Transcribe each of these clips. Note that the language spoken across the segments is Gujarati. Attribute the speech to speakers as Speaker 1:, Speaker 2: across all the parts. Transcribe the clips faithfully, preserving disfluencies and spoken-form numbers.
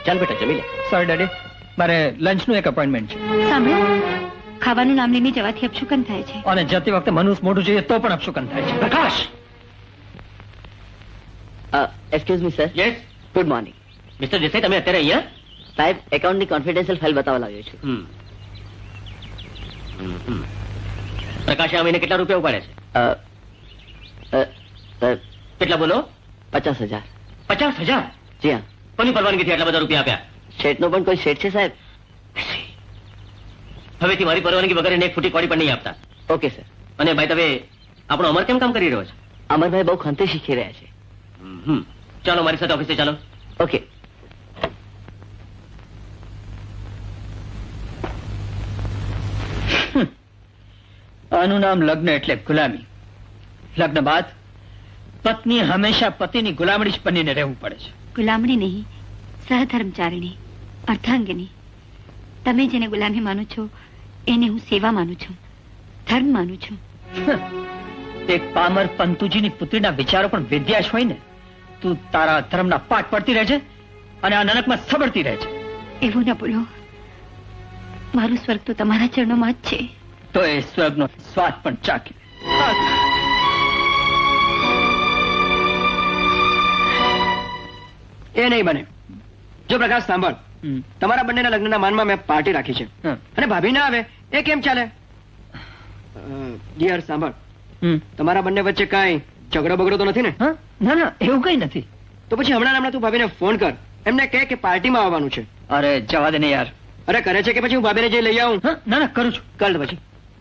Speaker 1: ચાલ બેટા જમી લે.
Speaker 2: સોરી ડેડી, મારે લંચ નું એક અપોઇન્ટમેન્ટ છે.
Speaker 3: સાંભળો, ખાવાનું નામ લઈને જવાથી અપશુકન થાય છે.
Speaker 2: અને જતી વખતે મનુષ્ય મોઢું જોઈએ તો પણ અપશુકન થાય છે. Prakash,
Speaker 1: excuse me sir. Yes, good morning. Mister Desai, તમે અત્યારે અહીંયા? સાહેબ, એકાઉન્ટની કોન્ફિડન્શિયલ ફાઇલ બતાવવા લાવ્યો છું. પ્રકાશે આ મહિને કેટલા રૂપિયા ઉપાડ્યા છે? કેટલા બોલો? પચાસ હજાર. પચાસ હજાર? જી હા. કોની પરવાનગીથી આટલા બધા રૂપિયા આપ્યા? શેઠનો પણ કોઈ શેઠ છે સાહેબ? હવેથી મારી પરવાનગી વગર એને એક ફૂટી કોડી પણ નહીં આપતા. Okay sir. અને ભાઈ, તમે આપણો અમર કેમ કામ કરી રહ્યો છે? અમરભાઈ બહુ ખંતે શીખી રહ્યા છે. હમ, ચાલો મારી સાથે ઓફિસે ચાલો. ઓકે.
Speaker 2: આનું નામ લગ્ન એટલે ગુલામી. લગ્ન બાદ પત્ની હંમેશા પતિની ગુલામડી જ બનીને રહેવું પડે છે.
Speaker 3: ગુલામણી નહીં, સહધર્મચારિણી, અર્ધાંગિની. તમે જેને ગુલામી માનો છો એને હું સેવા માનું છું, ધર્મ માનું છું.
Speaker 2: એક પામર પંતુજીની પુત્રીના વિચારો પણ વિદ્યા જ હોય ને. તું તારા ધર્મના પાઠ પડતી રહેજે અને આ નરકમાં સબળતી રહેજે.
Speaker 3: એવું ન બોલો. મારું સ્વર્ગ તો તમારા ચરણોમાં જ છે.
Speaker 2: તો એ સ્વર્ગનો સ્વાદ પણ ચાખી.
Speaker 4: એ નહીં બને. જો પ્રકાશ સાંભળ, તમારા બંનેના લગ્નના માનમાં મેં પાર્ટી રાખી છે અને ભાભી ના આવે એ કેમ ચાલે? ડિયર સાંભળ, તમારા બંને વચ્ચે કાંઈ ઝઘડો બગડો તો નથી ને?
Speaker 2: ના ના, એવું કઈ નથી.
Speaker 4: તો પછી હમણાં હમણાં તું ભાભીને ફોન કર, એમને કહે કે પાર્ટીમાં આવવાનું છે.
Speaker 2: અરે જવા દે ને યાર.
Speaker 4: અરે કરે છે કે પછી હું ભાભીને જઈ લઈ આવું?
Speaker 2: ના ના, કરું છું.
Speaker 4: કર પછી.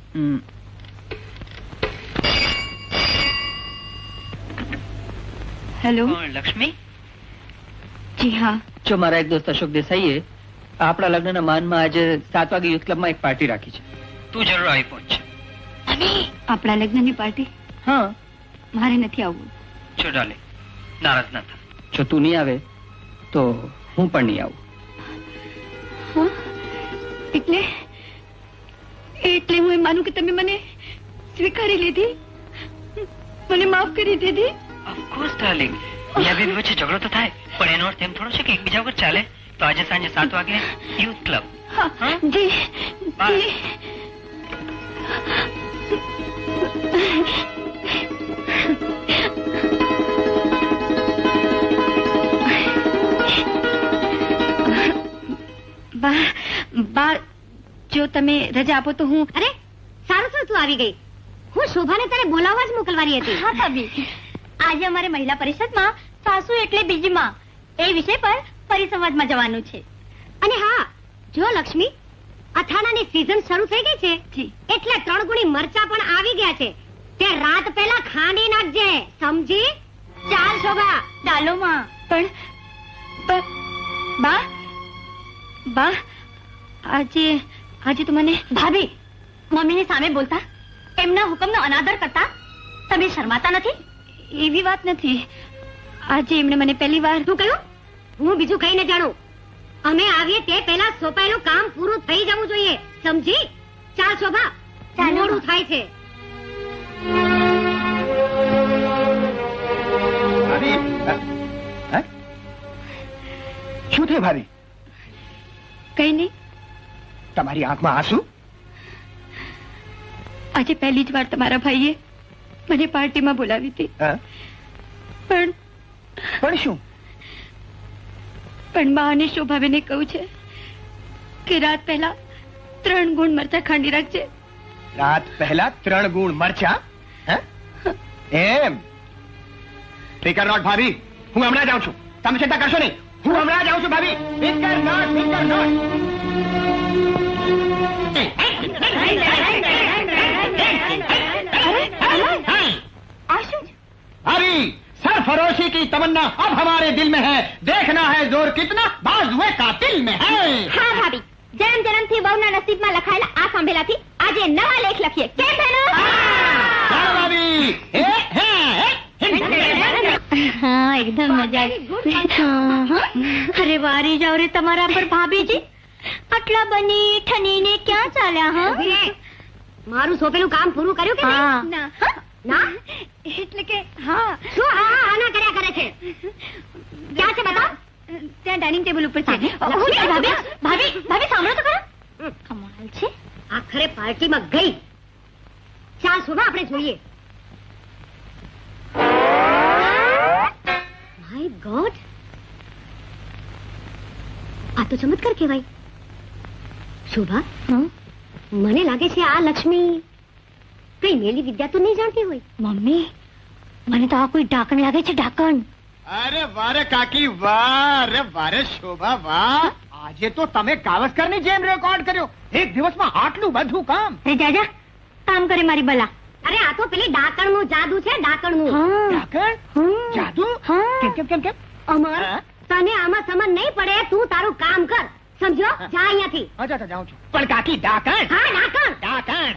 Speaker 3: હેલો
Speaker 2: લક્ષ્મી.
Speaker 3: જી હા.
Speaker 2: જો મારા એક દોસ્ત અશોક દેસાઈએ આપણા લગ્નના માનમાં આજે સાત વાગે યુથ ક્લબમાં એક પાર્ટી રાખી છે. તું જરૂર આવી પહોંચ.
Speaker 3: આપણા લગ્નની પાર્ટી?
Speaker 2: હા.
Speaker 3: મારે નથી આવવું.
Speaker 2: જો ડાલે, નારાજ ના થા. જો તું નહીં આવે તો હું પણ નહીં આવું.
Speaker 3: એટલે એટલે હું એમ માનું કે તમે મને સ્વીકારી લીધી, મને માફ કરી દીધી?
Speaker 2: Of course darling. યા બેબી વચ્ચે ઝઘડો તો થાય, પણ એનો અર્થ એમ થોડો છે કે એકબીજા વગર ચાલે. તો આજે સાંજે સાત વાગે યુથ ક્લબ.
Speaker 3: જી જી. બા બા, જો તમે રજા આપો તો હું.
Speaker 5: અરે સારું થયું તું આવી ગઈ. હું શોભાને તારે બોલાવવા જ મોકલવાની હતી.
Speaker 3: હા ભાભી,
Speaker 5: આજે અમારે મહિલા પરિષદમાં સાસુ એટલે બીજીમાં એ વિષય પર પરિસંવાદમાં જવાનું છે. અને હા, જો લક્ષ્મી, અથાણાની સીઝન શરૂ થઈ ગઈ છે એટલે ત્રણ ગુણી મરચા પણ આવી ગયા છે. તે રાત પહેલા ખાંડી નાખજે, સમજી? ચાલ શોભા, ડાલોમાં.
Speaker 3: પણ બા બા આજે આજે તો મને.
Speaker 5: ભાભી, મમ્મીની સામે બોલતા, એમના હુકમનો અનાદર કરતા તમે શરમાતા નથી?
Speaker 3: એવી વાત નથી. આજે એમણે મને પહેલી વાર.
Speaker 5: શું કહ્યું? હું બીજું કઈ ન જાણું. અમે આવીએ તે પહેલા સોંપાયેલું કામ પૂરું થઈ જવું જોઈએ, સમજી? ચાલ શોભા, મોડું થાય છે.
Speaker 4: શું થયું ભાભી?
Speaker 3: કઈ નહીં.
Speaker 4: તમારી આંખમાં આંસુ?
Speaker 3: આજે પહેલી જ વાર તમારા ભાઈએ મને પાર્ટીમાં બોલાવી હતી. પણ
Speaker 4: પણ શું?
Speaker 3: પણ બા અને શોભાબેને કહ્યું છે કે રાત પહેલા ત્રણ ગુણ મરચા ખાંડી રાખજે.
Speaker 4: રાત પહેલા ત્રણ ગુણ મરચા? એમ? ફિકર નોટ ભાભી, હું હમણાં જાઉં છું. તમે ચિંતા કરશો નહીં, હું હમણાં જાઉં છું ભાભી. ફિકર નોટ, ફિકર નોટ. भाभी, सरफरोशी की तमन्ना अब हमारे दिल में है. देखना है जोर कितना बाजुए कातिल में है.
Speaker 5: હા ભાભી, જન્મ જન્મથી વહુના નસીબમાં લખાયેલા આ સાંભળેલાથી આજે નવા લેખ લખીએ. કેમ બહેનો?
Speaker 4: ચાલો ભાભી. એ હે
Speaker 5: હા, એકદમ મજા આવી. અરે વારી જાવ રે તમારા પર ભાભીજી. આટલા બની ઠનીને ક્યાં ચાલ્યા? હા, મારું સોંપેલું કામ પૂરું કર્યું કે નહીં? ના ના, એટલે કે હા. શું હા હા ના કર્યા કરે છે? ક્યાં છે બતાવ?
Speaker 3: ત્યાં ડાઇનિંગ ટેબલ ઉપર છે
Speaker 5: ભાભી ભાભી ભાભી સાંભળો તો ખરા કમાલ છે આખરે પાર્ટીમાં ગઈ ચાલ શોભા આપણે જોઈએ માય ગોડ આ તો ચમત્કાર કહેવાય શોભા મને લાગે છે આ લક્ષ્મી કઈ મેલી વિદ્યા તો નહીં જાણતી હોય મમ્મી મને તો આ કોઈ ઢાંકણ લાગે છે ઢાંકણ
Speaker 4: અરે વારે કાકી વાહ અરે વારે શોભા વાહ આજે તો તમે ગાવસ્કરની જેમ રેકોર્ડ કર્યો એક દિવસમાં આટલું બધું કામ
Speaker 5: અરે જાજા કામ કરે મારી બલા અરે આ તો પેલી ડાકણનું જાદુ છે ડાકણનું
Speaker 4: ડાકણ જાદુ કેમ કેમ કેમ કેમ
Speaker 5: અમર તને આમાં સમજ નહીં પડે તું તારું કામ કર સમજો જા અહીંયાથી
Speaker 4: અચ્છા અચ્છા જાઉં છું પણ કાકી ડાકણ
Speaker 5: હા ડાકણ
Speaker 4: ડાકણ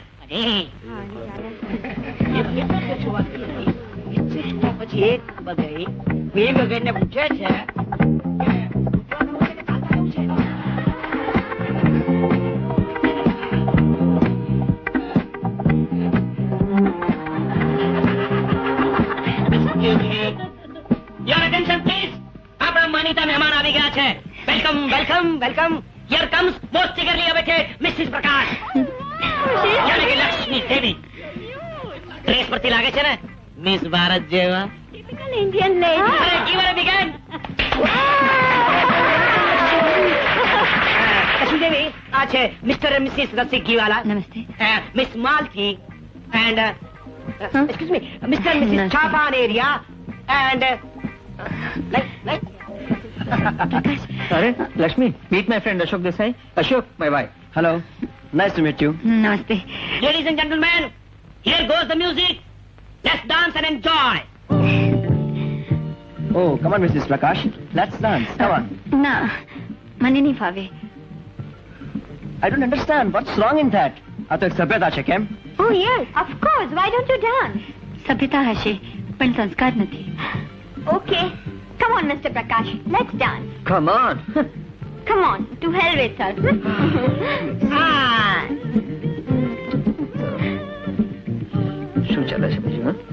Speaker 2: પછી એક બગઈ બે બગઈને પૂછે છે
Speaker 1: યોર અટેન્શન પ્લીઝ આપણા માનીતા મહેમાન આવી ગયા છે welcome welcome welcome here comes most eagerly awaited missus Prakash યાની કે લક્ષ્મી દેવી ડ્રેસ પરથી લાગે છે ને મિસ ભારત જેવા
Speaker 5: ટિપિકલ ઇન્ડિયન લેડી
Speaker 1: અરે give a big hand Lakshmi Devi આ છે મિસ્ટર એન્ડ મિસિસ રસિક ગીવાલા
Speaker 3: નમસ્તે
Speaker 1: miss Malti and excuse me mister and missus ચાપાન એરિયા એન્ડ
Speaker 2: અરે Lakshmi meet my friend Ashok Desai Ashok my wife hello nice to meet you
Speaker 3: નમસ્તે
Speaker 1: Ladies and gentlemen, here goes the music. Let's dance and enjoy.
Speaker 2: Oh come on missus Prakash let's dance come on
Speaker 3: ના મને નહીં ફાવે
Speaker 2: I don't understand what's wrong in that આ તો એક સભ્યતા છે કેમ
Speaker 5: oh yes of course why don't you dance
Speaker 3: સભ્યતા હશે પણ સંસ્કાર નથી
Speaker 5: okay come on mister Prakash let's dance
Speaker 2: come on
Speaker 5: come on to hell with us
Speaker 2: શું ચાલે છે બીજું હા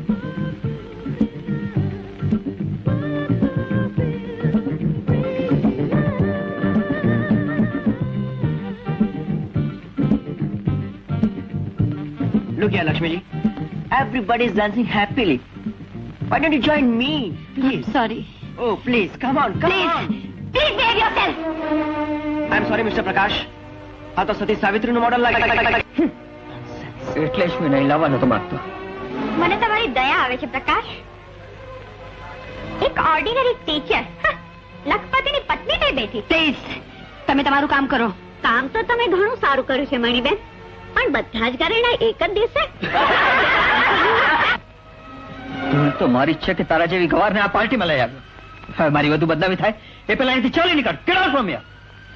Speaker 2: Look here, Lakshmiji. Everybody is dancing happily. Why don't you join me, please?
Speaker 3: Sorry
Speaker 2: Oh, please, come on, come
Speaker 5: please
Speaker 2: on.
Speaker 5: Please behave yourself
Speaker 2: I'm sorry, Mister Prakash. આ તો સતી સાવિત્રીનું મોડલ લાગે એટલે જ મેં નહીં લાવવાનો તો માંગતો
Speaker 5: મને તમારી દયા આવે છે પ્રકાશ એક ઓર્ડિનરી ટીચર લખપતિની પત્ની થઈ બેઠી
Speaker 3: પ્લીઝ તમે તમારું કામ કરો
Speaker 5: કામ તો તમે ઘણું સારું કર્યું છે મણીબેન પણ બધા જ ઘરેણા એક જ દિવસે
Speaker 2: ભૂલ તો મારી જ છે કે તારા જેવી ગવારને આ પાર્ટીમાં લઈ આવ્યો હવે મારી વધુ બદનામી થાય એ પેલા અહીંથી ચાલી નીકળ ગેટ આઉટ ફ્રોમ હિયર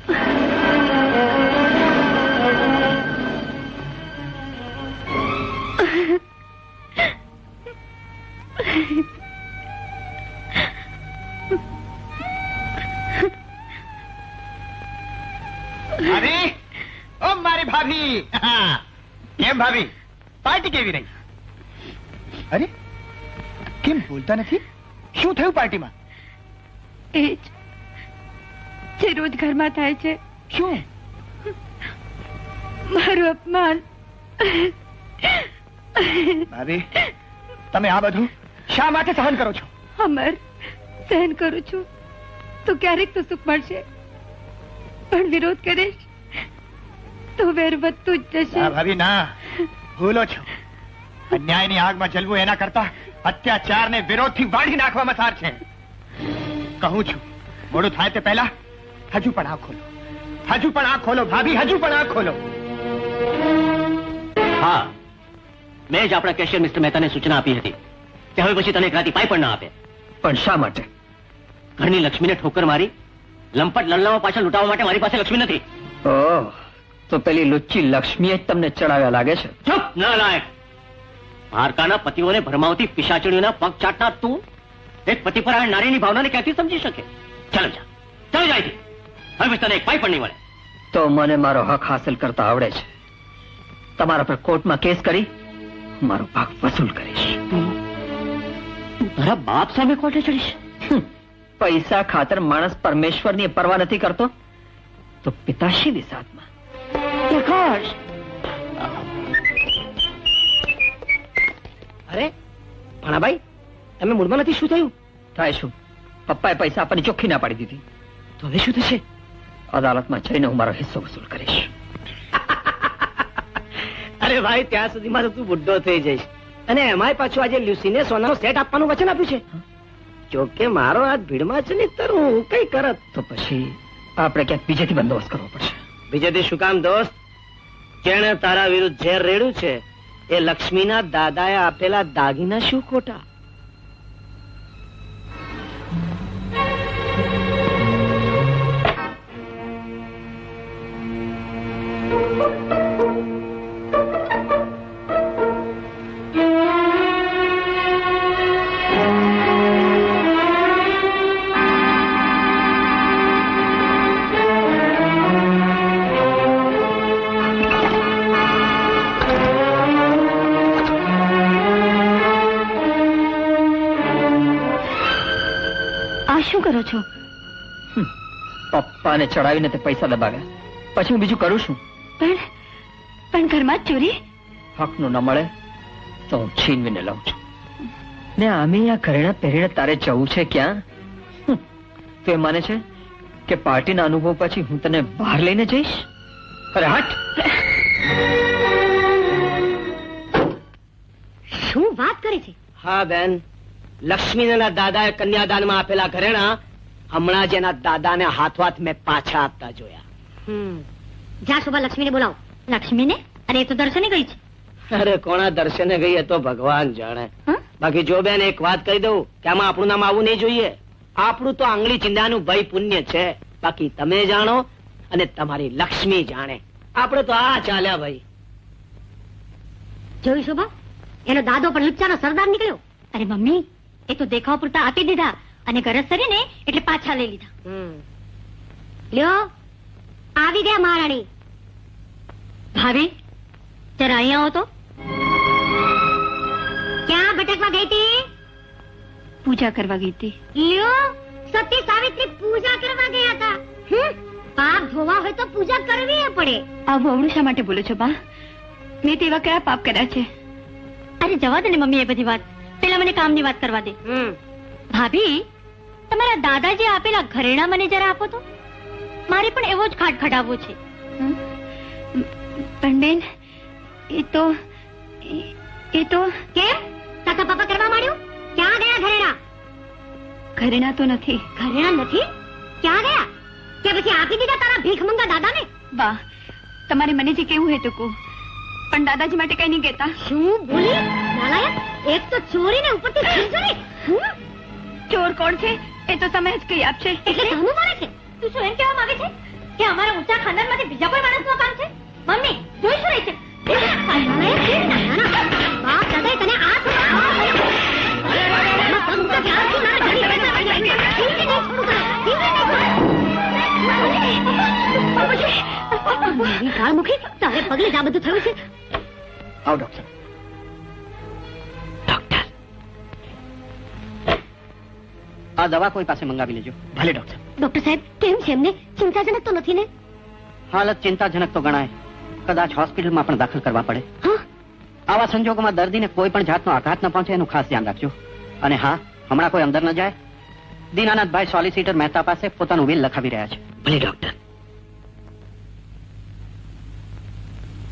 Speaker 4: અરે ઓ મારી ભાભી હા. કેમ ભાભી પાર્ટી કેવી રહી અરે કેમ બોલતા નથી શું થયું પાર્ટીમાં
Speaker 3: એ જ જે રોજ ઘરમાં થાય છે
Speaker 4: શું
Speaker 3: મારું અપમાન
Speaker 4: ભાભી તમે આ બધું શા માટે સહન કરો છો
Speaker 3: અમર સહન કરું છું તો ક્યારેક તો સુખ મળશે પણ વિરોધ કરીશ તો વેર વધતું જ
Speaker 4: ના
Speaker 3: જશે
Speaker 4: ભાભી ના ભૂલો છો અન્યાયની આગમાં જલવું એના કરતા અત્યાચારને વિરોધથી વાળી નાખવામાં સાર છે કહું છું મોડું થાય તે પહેલા હજુ પણ આંખ ખોલો હજુ પણ આંખ ખોલો ભાભી હજુ પણ આંખ ખોલો
Speaker 1: હા મેં જ આપણા કેશિયર મિસ્ટર મહેતાને સૂચના આપી હતી કે હવે પછી તને એક રાતી પાઈ પણ ના આપે
Speaker 2: પણ શા માટે
Speaker 1: ઘરની લક્ષ્મીને ઠોકર મારી લંપટ લલ્લામાં પાછળ લૂંટાવવા માટે મારી પાસે લક્ષ્મી નથી
Speaker 2: ઓહ તો પેલી લુચ્ચી લક્ષ્મીએ જ તમને ચડાવ્યા લાગે છે
Speaker 1: ચૂપ ન લાયક ભારકાના પતિઓને ભરમાવતી પિશાચણીઓના પગ ચાટના તું એક પતિપરાયણ નારીની ભાવનાને ક્યાંથી સમજી શકે ચાલો જા ચાલો જાય હવે પછી તને એક પાઈ પણ નહીં મળે
Speaker 2: તો મને મારો હક હાંસલ કરતા આવડે છે તમારા પર કોર્ટમાં કેસ કરી મારો ભાગ વસૂલ કરીશ
Speaker 1: તારા બાપ સામે કોર્ટે ચડીશ
Speaker 2: હમ, પૈસા ખાતર માણસ પરમેશ્વરની પરવા નથી કરતો તો પિતાશ્રીની સાથમાં
Speaker 3: પ્રકાશ,
Speaker 1: અરે ભાણાભાઈ, તમે મૂડમાં નથી? શું થયું?
Speaker 2: થાય શું, પપ્પાએ પૈસા આપવાની ચોખ્ખી ના પાડી દીધી.
Speaker 1: તો હવે શું થશે?
Speaker 2: અદાલતમાં જઈને હું મારો હિસ્સો વસૂલ કરીશ.
Speaker 1: અરે ભાઈ, ત્યાં સુધીમાં તો તું બુઢ્ઢો થઈ જઈશ. અને એમાંય પાછું આજે લ્યુસીને સોનાનો સેટ આપવાનું વચન આપ્યું છે. જોકે મારો હાથ ભીડમાં છે ને, તર હું કઈ કરત.
Speaker 2: તો પછી આપણે ક્યાંક બીજેથી બંદોબસ્ત કરવો પડશે.
Speaker 1: બીજેથી શું કામ દોસ્ત? જેણે તારા વિરુદ્ધ ઝેર રેડ્યું છે એ લક્ષ્મીના દાદાએ આપેલા દાગીના શું ખોટા?
Speaker 3: આ શું કરો છો?
Speaker 2: પપ્પાને ચડાવીને તે પૈસા દબાવ્યા, પછી હું બીજું કરું છું?
Speaker 3: પણ પણ ઘરમાં જ ચોરી?
Speaker 2: હકનું ન મળે તો હું છીનવીને લઉં છું. ને આમે આ ઘરેણા પહેરીને તારે જવું છે ક્યાં? હમ, તું એ માને છે કે પાર્ટીના અનુભવ પછી હું તને બહાર લઈને જઈશ? અરે હટ!
Speaker 5: શું વાત કરે છે?
Speaker 1: હા બેન, લક્ષ્મીના દાદાએ કન્યાદાનમાં આપેલા ઘરેણા હમણાં જ એના દાદાને હાથોહાથ મેં પાછા આપતા જોયા.
Speaker 5: હમ જા શોભા, લક્ષ્મીને બોલાવો. લક્ષ્મીને? અરે એ તો દર્શને ગઈ છે.
Speaker 1: અરે કોણા દર્શને ગઈ એ તો ભગવાન જાણે.
Speaker 5: હં?
Speaker 1: બાકી જો બેન, એક વાત કહી દઉં કે આમાં આપણું નામ આવવું નહીં જોઈએ. આપણું તો આંગળી ચિંદાનું ભય પુણ્ય છે. બાકી તમે જાણો અને તમારી લક્ષ્મી જાણે. આપણે તો આ ચાલ્યા ભાઈ.
Speaker 5: જોયું શોભા, એનો દાદો પણ લુચ્ચાનો સરદાર નીકળ્યો. અરે મમ્મી, એ તો દેખાવ પૂરતા આપી દીધા અને ગરજ કરીને એટલે પાછા લઈ લીધા. લ્યો, આવી ગયા મહારાણી. ભાભી, જરા અહીંયા આવો તો. ક્યાં ભટકવા ગઈ હતી?
Speaker 3: પૂજા કરવા ગઈ હતી.
Speaker 5: લ્યો, સતી સાવિત્રી પૂજા કરવા ગયા હતા. હમ, પાપ ધોવા હોય તો પૂજા કરવી પડે.
Speaker 3: આવું અવળું શા માટે બોલો છો બા? મેં તેવા કયા પાપ કર્યા છે?
Speaker 5: અરે જવા દે ને મમ્મી એ બધી વાત. પેલા મને કામની વાત કરવા દે. ભાભી, તમારા દાદાજી આપેલા ઘરેણા મને જરા આપો તો. મારે પણ એવો જ ખાટ ખડાવવો છે.
Speaker 3: હમ? પણ બેન, એ તો એ- એ તો
Speaker 5: કેમ કાકા પાપા કરવા માંડ્યું? ક્યાં ગયા ઘરેણા?
Speaker 3: ઘરેણા તો નથી.
Speaker 5: ઘરેણા નથી? ક્યાં ગયા? કે પછી આપી દીધા તારા ભીખમંગા દાદાને?
Speaker 3: બા, તમારે મને જે કેવું હે તો કહો, પણ દાદાજી માટે કઈ નહીં કહેતા.
Speaker 5: શું બોલી નાલાયક? એક તો ચોરીને ઉપરથી છીનચોરી. હમ?
Speaker 3: ચોર કોણ છે એ તો તમે જ કહી આપશે.
Speaker 5: એટલે કામું મારે છે? તું શું એમ કહેવા માંગે છે કે અમારા ઊંચા ખાનદાનમાંથી બીજા કોઈ માણસનું કામ છે? મમ્મી, જોઈ શું રહી છે? નાલાયક, કેવી નાના? બાપ દાદાએ તને આ શું આવા કર્યું? એમાં પગ મૂકે કે આ શું નાના ઘડી બેઠા રહી જાય? ઠીક છે, નહીં છોડું તને. ઠીક છે, નહીં છોડું. મારી કાળ મુખી, તારે પગલે જ આ બધું થયું છે.
Speaker 2: આવ ડોક્ટર. ડોક્ટર, આ દવા કોઈ પાસે મંગાવી લેજો. ભલે ડોક્ટર.
Speaker 5: ડોક્ટર સાહેબ, કેમ છે એમને? ચિંતાજનક તો નથી ને?
Speaker 2: હાલત ચિંતાજનક તો ગણાય. કદાચ હોસ્પિટલમાં પણ દાખલ કરવા પડે.
Speaker 5: હા,
Speaker 2: આવા સંજોગોમાં દર્દીને કોઈ પણ જાતનો આઘાત ન પહોંચે એનું ખાસ ધ્યાન રાખજો. અને હા, હમણાં કોઈ અંદર ન જાય. દીનાનાથભાઈ સોલિસિટર મહેતા પાસે પોતાનું વિલ લખાવી રહ્યા છે.
Speaker 1: ભલે ડોક્ટર.